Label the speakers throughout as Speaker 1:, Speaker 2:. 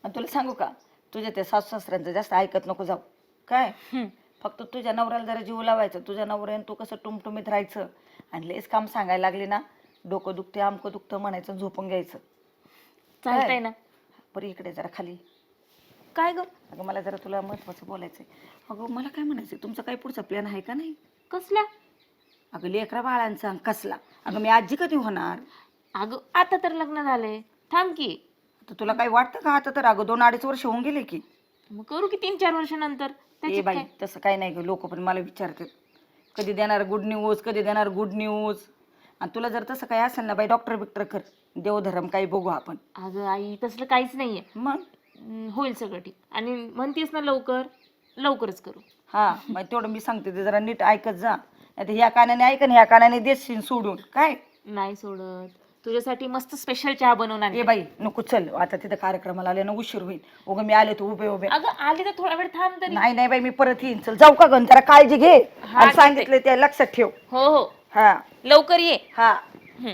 Speaker 1: आणि तुला सांगू का, तुझ्या त्या सासू सासऱ्यांचं जास्त ऐकत नको जाऊ काय. फक्त तुझ्या नवऱ्याला जरा जीव लावायचं, तुझ्या नवऱ्याने तू कसं टुमटुमीत राहायचं. आणि लेस काम सांगायला लागली ना, डोकं दुखते आमकं दुखतं म्हणायचं, झोपून घ्यायचं.
Speaker 2: चालतंय ना.
Speaker 1: बरं इकडे जरा खाली.
Speaker 2: काय ग?
Speaker 1: अगं मला जरा तुला महत्वाचं बोलायचंय. अगं मला काय म्हणायचंय, तुमचा काही पुढचा प्लॅन आहे का नाही?
Speaker 2: कसल्या?
Speaker 1: अगं लेकरा बाळांचा कसला. अगं मी आजी कधी होणार?
Speaker 2: अगं आता तर लग्न झालंय, थांब की.
Speaker 1: तर तुला काही वाटतं का? आता तर अगं 2-2.5 वर्ष होऊन गेले की.
Speaker 2: मग करू की 3-4 वर्षानंतर.
Speaker 1: ए
Speaker 2: त्याच्यात
Speaker 1: बाई
Speaker 2: काय?
Speaker 1: तसं काही नाही ग, लोक पण मला विचारतात कधी देणार गुड न्यूज, कधी देणार गुड न्यूज. आणि तुला जर तसं काही असेल ना बाई, डॉक्टर बिक्टर कर, देवधर्म काही बघू आपण.
Speaker 2: अगं आई तसलं काहीच नाहीये.
Speaker 1: मग
Speaker 2: होईल सगळं ठीक. आणि म्हणतेस ना लवकर, लवकरच करू.
Speaker 1: हा मग तेवढं मी सांगते ते जरा नीट ऐकत जा. नाही तर ह्या कानाने ऐक आणि ह्या कानाने देशील सोडून काय.
Speaker 2: नाही सोडत. तुझ्यासाठी मस्त स्पेशल चहा बनवणार.
Speaker 1: ए बाई नको, चल आता तिथं कार्यक्रमाला आले ना उशीर होईल. उगं मी आले तू उभे उभे.
Speaker 2: अगं आली तर थोडा वेळ थांब तरी.
Speaker 1: नाही नाही बाई मी परत येईन. चल जाऊ का गं, जरा काळजी घे आणि सांगितलं ते लक्षात ठेव.
Speaker 2: हो हो
Speaker 1: हा
Speaker 2: लवकर ये.
Speaker 1: हा.
Speaker 2: हम्म.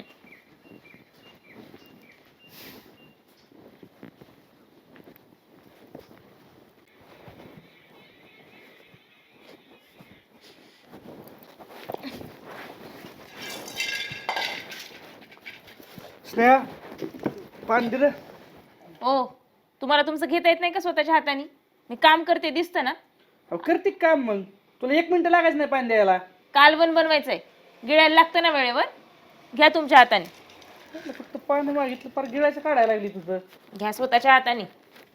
Speaker 3: स्नेहा पाणी दिलं.
Speaker 2: ओ तुम्हाला तुमचं घेता येत नाही का स्वतःच्या हाताने? मी काम करते दिसतं ना.
Speaker 3: अहो करते का काम मग? तुला 1 मिनिट लागायचं नाही पाणी द्यायला.
Speaker 2: कालवण बनवायचंय, गिळायला लागतं ना वेळेवर. घ्या तुमच्या हाताने.
Speaker 3: म्हटलं फक्त पाणी मागितलं, पार गिळायचं काढायला लागली तुझं.
Speaker 2: घ्या स्वतःच्या हाताने.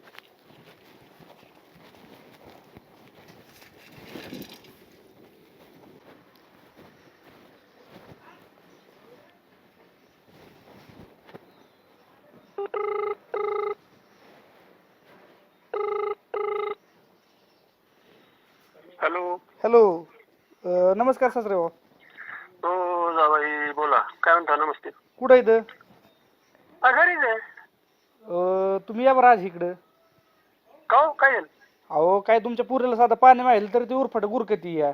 Speaker 4: हॅलो.
Speaker 3: हॅलो नमस्कार सासरे भाऊ.
Speaker 4: हो जाबाई बोला, काय म्हणता? नमस्ते.
Speaker 3: कुठं इथं?
Speaker 4: घरीच आहे.
Speaker 3: तुम्ही या बरं आज इकडं.
Speaker 4: का हो, काय झालं?
Speaker 3: अहो काय तुमच्या पुरीला साधं पाणी माहिलं तर ती उरफट गुरकती या.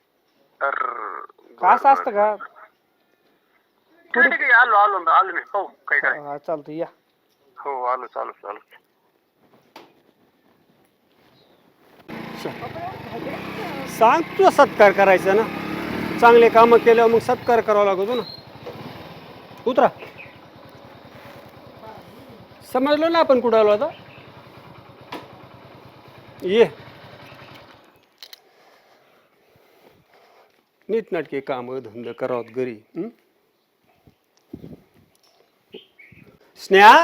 Speaker 3: का असं असतं का?
Speaker 4: ठीक आहे, ठीक आहे, आलो आलो आलो मी. हो काय काय.
Speaker 3: हा चालतं या.
Speaker 4: हो आलो आलो आलो.
Speaker 5: सांग तुझा सत्कार करायचा ना. चांगले कामं केल्यावर मग सत्कार करावा लागतो ना. उतरा. समजलो ना आपण कुठं आलो आता. ये नीटनाटके कामं धंदा करावं घरी. स्नेहा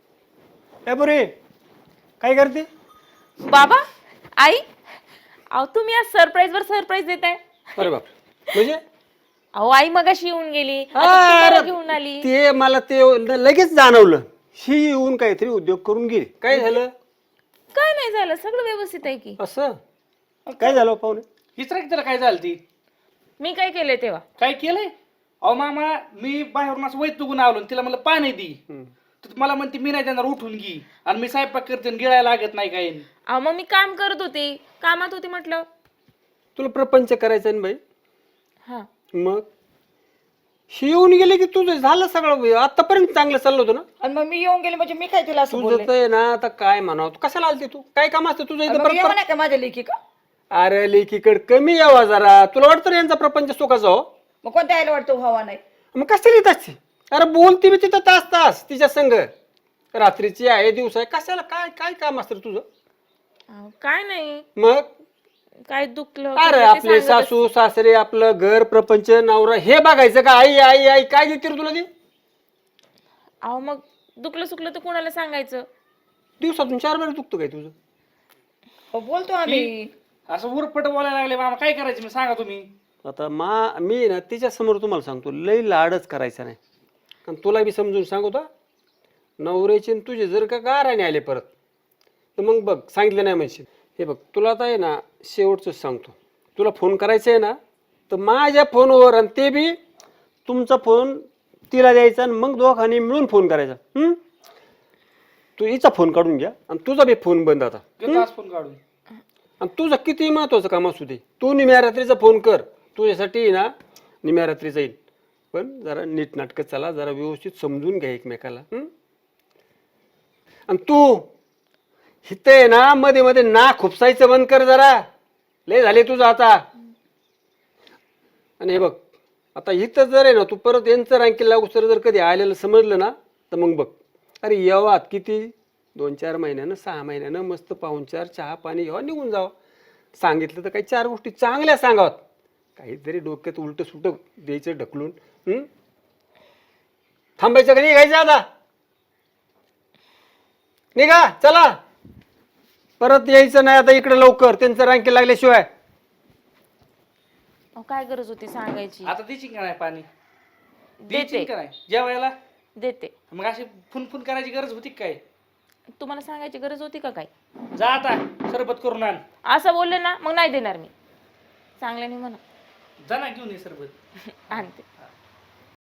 Speaker 5: ए बरे काय करते?
Speaker 2: बाबा आई, अहो तुम्ही आज सरप्राईज वर सरप्राईज देताय.
Speaker 5: अरे बाप, म्हणजे
Speaker 2: अहो आई मगाशी येऊन गेली, आता तुम्हाला घेऊन आली.
Speaker 5: ते मला ते लगेच जाणवलं. ही येऊन काहीतरी उद्योग करून गेली. काय झालं?
Speaker 2: काय नाही झालं, सगळं व्यवस्थित आहे की.
Speaker 5: असं काय झालं पाहुणे?
Speaker 3: हिचरा की त्याला काय झालं ती?
Speaker 2: मी काय केलंय तेव्हा?
Speaker 3: काय केलंय? अहो मामा मी बाहेरून असं वैतुकून आलो आणि तिला म्हणलं पाणी दी. तर मला म्हणते मी नाही देणार, उठून घे. आणि मी स्वयंपाक करते आणि गिळायला लागत नाही काही.
Speaker 2: अहो मग मी काम करत होते, कामात होते म्हटलं.
Speaker 5: तुला प्रपंच करायचा ना बाई.
Speaker 2: हा
Speaker 5: मग ही येऊन गेली की तुझं झालं सगळं. आतापर्यंत चांगलं चाललं होतं ना.
Speaker 1: आणि मग मी येऊन गेले म्हणजे मी काय तिला असं
Speaker 5: तुझं
Speaker 1: बोलले?
Speaker 5: तर आहे ना आता काय म्हणावं. तू कशाला आलते? तू काय काम असतं तुझं इथं?
Speaker 1: मग येऊ नये का माझ्या लेखी का?
Speaker 5: अरे लेकीकडे कमी यावा जरा. तुला वाटतं ना यांचा प्रपंच सुखाचा हो?
Speaker 1: मग कोणत्या आईला वाटतं व्हावा नाही?
Speaker 5: मग कशाला येत असते? अरे बोलती मी तिथं तास तास तिच्या संग. रात्रीची आहे दिवस आहे, कशाला काय काय काम असतं रे तुझं?
Speaker 2: अहो, काय नाही,
Speaker 5: मग
Speaker 2: काय दुखलं
Speaker 5: अरे
Speaker 2: ते
Speaker 5: आपले
Speaker 2: सांगत
Speaker 5: सासू सासरे आपलं घर प्रपंच नवरा हे बघायचं का? आई आई आई काय देते रे तुला ती?
Speaker 2: अहो मग दुखलं सुकलं तर कोणाला सांगायचं?
Speaker 5: दिवसातून 4 वेळा दुखतं काय तुझं?
Speaker 1: हो बोलतो आम्ही.
Speaker 3: असं उरफट बोलायला लागले मामा, काय करायचं मी सांगा तुम्ही.
Speaker 5: आता मी ना तिच्या समोर तुम्हाला सांगतो, लई लाडच करायचा नाही. आणि तुला बी समजून सांगतो, नवऱ्याचे तुझे जर का गाराने आले परत तर मग बघ सांगितलं नाही म्हणशील. हे बघ तुला आता आहे ना शेवटचंच सांगतो, तुला फोन करायचा आहे ना तर माझ्या फोनवर, आणि ते बी तुमचा फोन तिला द्यायचा आणि मग दोघांनी मिळून फोन करायचा. तू हिचा फोन काढून घ्या आणि तुझा बी फोन बंद आता.
Speaker 3: फोन काढून.
Speaker 5: आणि तुझं किती महत्वाचं काम असू दे, तू निम्या रात्रीचा फोन कर. तुझ्यासाठी ना निम्या रात्री जाईल, पण जरा नीटनाटकं चला, जरा व्यवस्थित समजून घ्या एकमेकाला. आणि तू हिथं आहे ना मध्ये मध्ये ना खुपसायचं बंद कर जरा. लय झाले तुझं आता. आणि हे बघ आता इथं जर आहे ना तू परत यांचं रँकिंग लागू जर कधी आलेलं समजलं ना तर मग बघ. अरे येवात किती 2-4 महिन्यानं 6 महिन्यानं मस्त पाहुणचार चहा पाणी घ्यावा निघून जावं. सांगितलं तर काही 4 गोष्टी चांगल्या सांगावात. काहीतरी डोक्यात उलट सुट द्यायचं ढकलून. थांबायचं का निघायचं आता. निघा चला. परत यायचं नाही आता इकडे लवकर त्यांचं रँकिंग लागल्याशिवाय.
Speaker 2: अहो, काय गरज होती सांगायची.
Speaker 3: आता देशील का नाही पाणी?
Speaker 2: देते
Speaker 3: देशील का नाही जेवायला?
Speaker 2: देते.
Speaker 3: मग अशी फुनफुन करायची गरज होती का काय?
Speaker 2: तुम्हाला सांगायची गरज होती का काय?
Speaker 3: जा आता सरबत करून आण.
Speaker 2: असं बोलले ना मग नाही देणार मी. चांगल्याने म्हणा.
Speaker 3: जा ना घेऊन ये सरबत.
Speaker 2: आणते.